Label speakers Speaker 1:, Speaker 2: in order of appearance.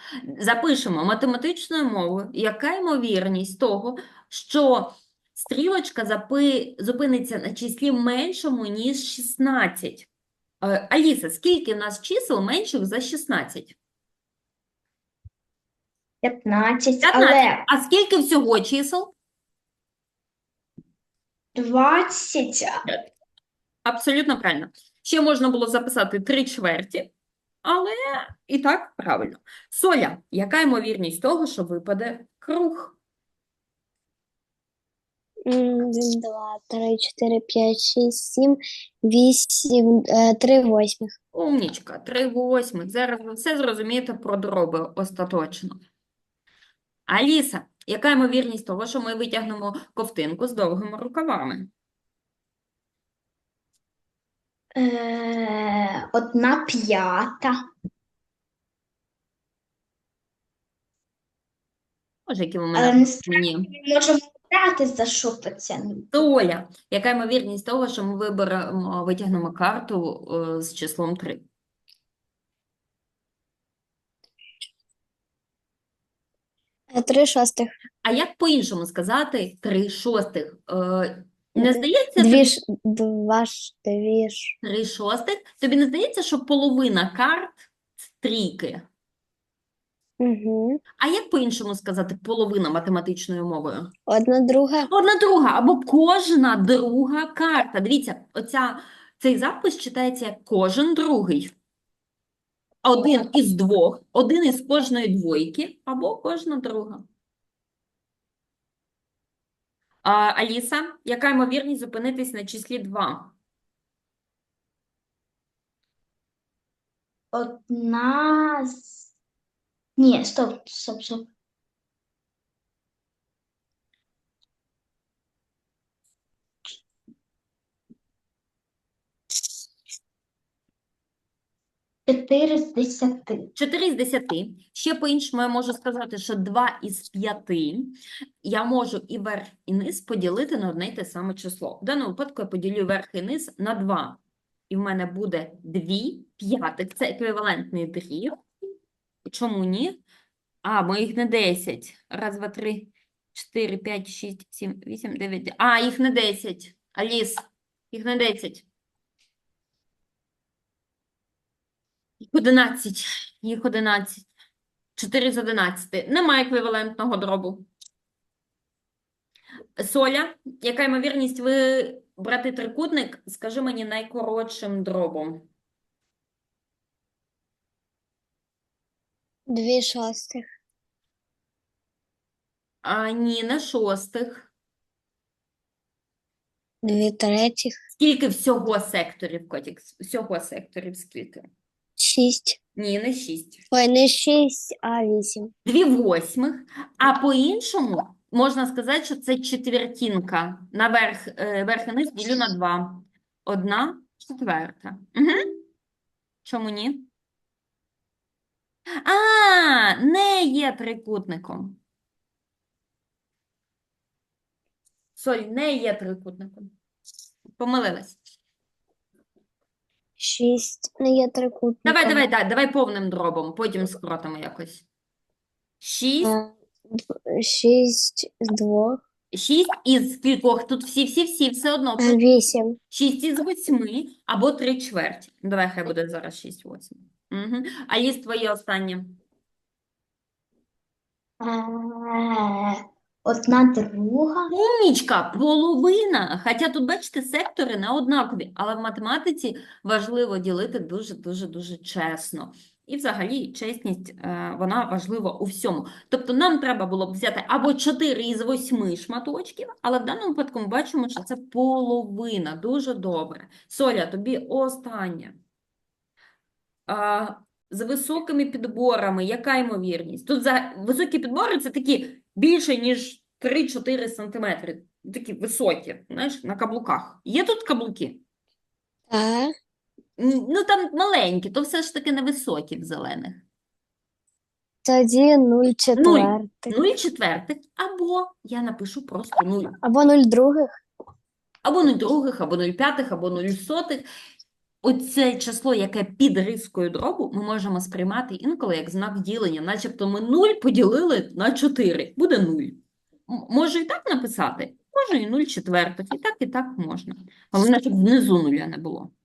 Speaker 1: Запишемо математичною мовою, яка ймовірність того, що стрілочка зупиниться на числі меншому, ніж 16. Аліса, скільки в нас чисел менших за 16?
Speaker 2: 15,
Speaker 1: 15.
Speaker 2: але
Speaker 1: А скільки всього чисел?
Speaker 2: 20,
Speaker 1: Абсолютно правильно. Ще можна було записати 3/4, але і так правильно. Соля, яка ймовірність того, що випаде круг?
Speaker 3: 1, 2, 3, 4, 5, 6, 7, 8, 3 восьмих.
Speaker 1: Умнічка, 3/8. Зараз ви все зрозумієте про дроби остаточно. Аліса, яка ймовірність того, що ми витягнемо ковтинку з довгими рукавами?
Speaker 2: 1/5.
Speaker 1: Може, які ви
Speaker 2: Але
Speaker 1: мене
Speaker 2: насправді
Speaker 1: мені.
Speaker 2: ми можемо брати за що це.
Speaker 1: Соля, яка ймовірність того, що ми витягнемо карту з числом 3?
Speaker 3: 3 шостих.
Speaker 1: А як по-іншому сказати 3/6? Не здається,
Speaker 3: 2,
Speaker 1: тобі
Speaker 3: 2, 2.
Speaker 1: 3/6? Тобі не здається, що половина карт – трійки?
Speaker 3: Угу.
Speaker 1: А як по-іншому сказати половина математичною мовою?
Speaker 3: 1/2.
Speaker 1: Одна друга або кожна друга карта. Дивіться, цей запис читається як кожен другий. Один із двох, один із кожної двойки або кожна друга. Аліса, яка ймовірність зупинитись на числі 2?
Speaker 2: 1 Ні, стоп. 4 з 10.
Speaker 1: 4 з 10. Ще по-іншому я можу сказати, що 2 із 5 я можу і верх, і низ поділити на одне й те саме число. В даному випадку я поділю верх і низ на 2. І в мене буде 2/5. Це еквівалентний дріб. Чому ні? Бо їх не 10. Раз, два, три, 4, 5, 6, 7, 8, 9. Їх не 10. Аліс, їх не 10. Їх 11. Їх 11. 4 з 11. Немає еквівалентного дробу. Соля, яка ймовірність брати трикутник, скажи мені найкоротшим дробом.
Speaker 3: 2 шостих.
Speaker 1: Ні, не шостих.
Speaker 3: 2 третіх.
Speaker 1: Скільки всього секторів, котик? Всього секторів скільки?
Speaker 3: 6.
Speaker 1: Ні, не 6.
Speaker 3: Ой, не 6, а 8.
Speaker 1: 2/8. А по-іншому можна сказати, що це четвертинка. Верх і низ ділю на 2. 1/4. Угу. Чому ні? Не є трикутником. Соль, не є трикутником. Помилилась.
Speaker 3: 6 не є трикутником.
Speaker 1: Давай повним дробом, потім скоротимо якось. 6.
Speaker 3: 6 з 2.
Speaker 1: 6 із кількох? Тут всі все одно.
Speaker 3: 8.
Speaker 1: 6 із 8 або 3/4. Давай, хай буде зараз 6/8. Угу. Аліс, твоє останнє.
Speaker 2: 1/2.
Speaker 1: Умнічка, половина. Хоча тут, бачите, сектори не однакові, але в математиці важливо ділити дуже чесно. І взагалі чесність, вона важлива у всьому. Тобто нам треба було б взяти або 4 із 8 шматочків, але в даному випадку ми бачимо, що це половина. Дуже добре. Соля, тобі останнє. З високими підборами, яка ймовірність? Тут високі підбори – це такі більше, ніж 3-4 сантиметри. Такі високі, знаєш, на каблуках. Є тут каблуки?
Speaker 3: Так.
Speaker 1: Ну, там маленькі, то все ж таки не високі в зелених.
Speaker 3: Тоді 0/4.
Speaker 1: 0/4, або я напишу просто 0.
Speaker 3: Або 0/2.
Speaker 1: Або 0/2, або 0/5, або 0/100. оце число, яке під рискою дробу, ми можемо сприймати інколи як знак ділення, начебто ми 0 поділили на 4, буде 0. Можу і так написати, можу і 0 четвертих, і так можна. Головне, щоб внизу нуля не було.